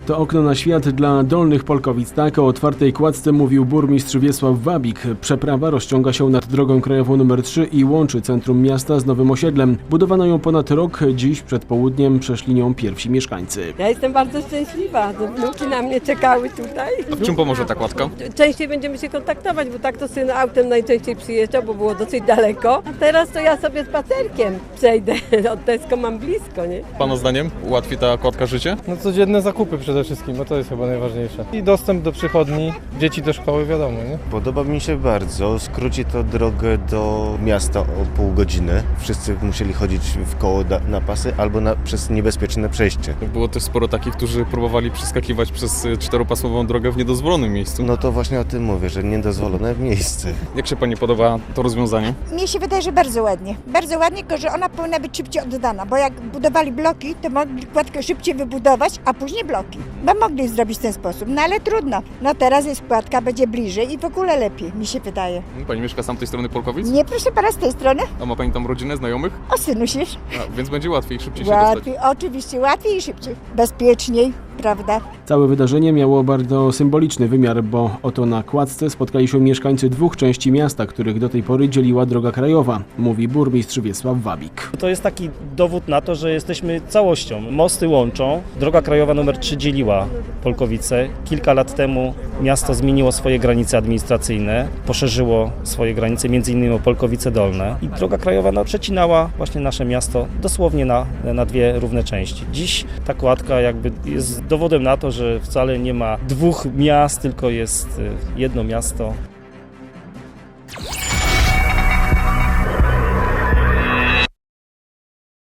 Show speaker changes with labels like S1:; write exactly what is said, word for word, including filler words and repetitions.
S1: To okno na świat dla Dolnych Polkowic. Tak o otwartej kładce mówił burmistrz Wiesław Wabik. Przeprawa rozciąga się nad drogą krajową numer trzy i łączy centrum miasta z nowym osiedlem. Budowano ją ponad rok. Dziś przed południem przeszli nią pierwsi mieszkańcy.
S2: Ja jestem bardzo szczęśliwa, że wnuki na mnie czekały tutaj.
S3: A w czym pomoże ta kładka?
S2: Częściej będziemy się kontaktować, bo tak to syn autem najczęściej przyjeżdżał, bo było dosyć daleko. A teraz to ja sobie spacerkiem przejdę. Od Tesco mam blisko, nie?
S3: Pana zdaniem ułatwi ta kładka życie?
S4: No codzienne zakupy przede wszystkim, bo to jest chyba najważniejsze. I dostęp do przychodni, dzieci do szkoły, wiadomo, nie?
S5: Podoba mi się bardzo. Skróci to drogę do miasta o pół godziny. Wszyscy musieli chodzić w koło na pasy albo na, przez niebezpieczne przejście.
S3: Było też sporo takich, którzy próbowali przeskakiwać przez czteropasmową drogę w niedozwolonym miejscu.
S5: No to właśnie o tym mówię, że niedozwolone miejsce.
S3: Jak się Pani podoba to rozwiązanie?
S6: Mnie się wydaje, że bardzo ładnie. Bardzo ładnie, tylko że ona powinna być szybciej oddana, bo jak budowali bloki, to mogli kładkę szybciej wybudować, a później bloki. Bo mogli zrobić w ten sposób, no ale trudno. No teraz jest kładka, będzie bliżej i w ogóle lepiej, mi się wydaje.
S3: Pani mieszka z tamtej strony Polkowic?
S6: Nie, proszę pana, z tej strony?
S3: A ma Pani tam rodzinę, znajomych?
S6: O synu się.
S3: A, więc będzie łatwiej, szybciej się dostać.
S6: Łatwiej, oczywiście, łatwiej i szybciej. Bezpieczniej, prawda?
S1: Całe wydarzenie miało bardzo symboliczny wymiar, bo oto na kładce spotkali się mieszkańcy dwóch części miasta, których do tej pory dzieliła droga krajowa, mówi burmistrz Wiesław Wabik.
S7: To jest taki dowód na to, że jesteśmy całością. Mosty łączą. Droga krajowa numer trzy dzieliła Polkowice. Kilka lat temu miasto zmieniło swoje granice administracyjne, poszerzyło swoje granice, między innymi o Polkowice Dolne. I droga krajowa no, przecinała właśnie nasze miasto dosłownie na, na dwie równe części. Dziś ta kładka jakby jest dowodem na to, że wcale nie ma dwóch miast, tylko jest jedno miasto.